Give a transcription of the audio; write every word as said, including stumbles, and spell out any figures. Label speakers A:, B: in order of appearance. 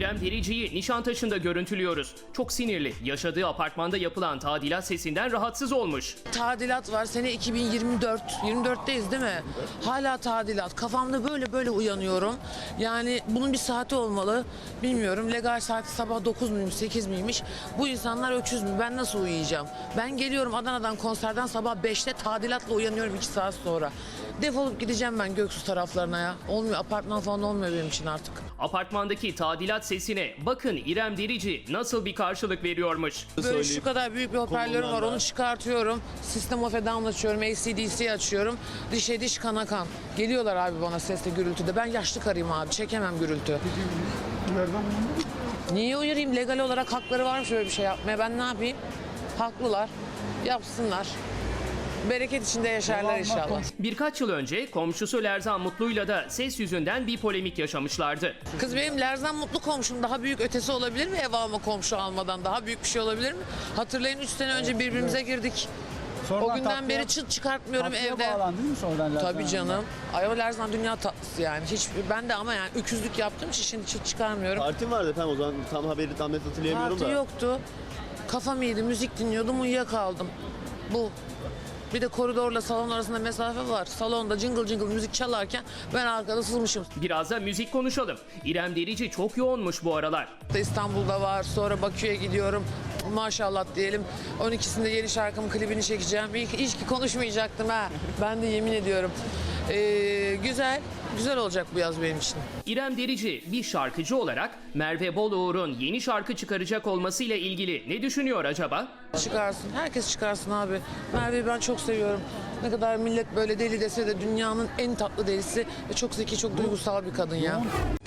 A: İrem Derici'yi Nişantaşı'nda görüntülüyoruz. Çok sinirli. Yaşadığı apartmanda yapılan tadilat sesinden rahatsız olmuş.
B: Tadilat var. Sene iki bin yirmi dört. yirmi dörtteyiz değil mi? Hala tadilat. Kafamda böyle böyle uyanıyorum. Yani bunun bir saati olmalı. Bilmiyorum. Legal saati sabah dokuz muymuş, sekiz miymiş? Bu insanlar öküz mü? Ben nasıl uyuyacağım? Ben geliyorum Adana'dan konserden sabah beşte tadilatla uyanıyorum iki saat sonra. Defolup gideceğim ben Göksu taraflarına ya. Olmuyor. Apartman falan olmuyor benim için artık.
A: Apartmandaki tadilat sesine bakın İrem Derici nasıl bir karşılık veriyormuş.
B: Böyle şu kadar büyük bir hoparlörüm var, onu çıkartıyorum. System of a Down açıyorum, A C D C açıyorum. Dişe diş kana kan. Geliyorlar abi bana sesle gürültüde. Ben yaşlı karıyım abi, çekemem gürültü. Niye uyarayım? Legal olarak hakları varmış öyle bir şey yapmaya. Ben ne yapayım? Haklılar. Yapsınlar. Bereket içinde yaşarlar inşallah.
A: Birkaç yıl önce komşusu Lerzan Mutlu'yla da ses yüzünden bir polemik yaşamışlardı.
B: Kız benim Lerzan Mutlu komşum, daha büyük ötesi olabilir mi? Ev alma komşu almadan daha büyük bir şey olabilir mi? Hatırlayın üç sene önce birbirimize girdik.
C: Sonradan
B: O günden
C: tatlıya-
B: beri çıt çıkartmıyorum
C: tatlıya
B: evde.
C: bağlandı değil mi sonradan Lerzan
B: Tabii canım. Ayol Lerzan dünya tatlısı yani. Hiç ben de ama yani öküzlük yaptığım için şimdi çıt çıkarmıyorum.
D: Partim vardı efendim o zaman tam haberi tam net hatırlayamıyorum
B: Parti
D: da.
B: yoktu. Kafam iyiydi, müzik dinliyordum, uyuyakaldım. Bu. Bir de koridorla salon arasında mesafe var. Salonda cıngıl cıngıl müzik çalarken ben arkada sızmışım.
A: Biraz da müzik konuşalım. İrem Derici çok yoğunmuş bu aralar.
B: İstanbul'da var, sonra Bakü'ye gidiyorum. Maşallah diyelim. on ikisinde yeni şarkımın klibini çekeceğim. İyi ki, iyi ki konuşmayacaktım ha. Ben de yemin ediyorum. Ee, güzel, güzel olacak bu yaz benim için.
A: İrem Derici bir şarkıcı olarak Merve Boluğur'un yeni şarkı çıkaracak olmasıyla ilgili ne düşünüyor acaba?
B: Çıkarsın, herkes çıkarsın abi. Merve'yi ben çok seviyorum. Ne kadar millet böyle deli dese de dünyanın en tatlı delisi ve çok zeki, çok duygusal bir kadın ya.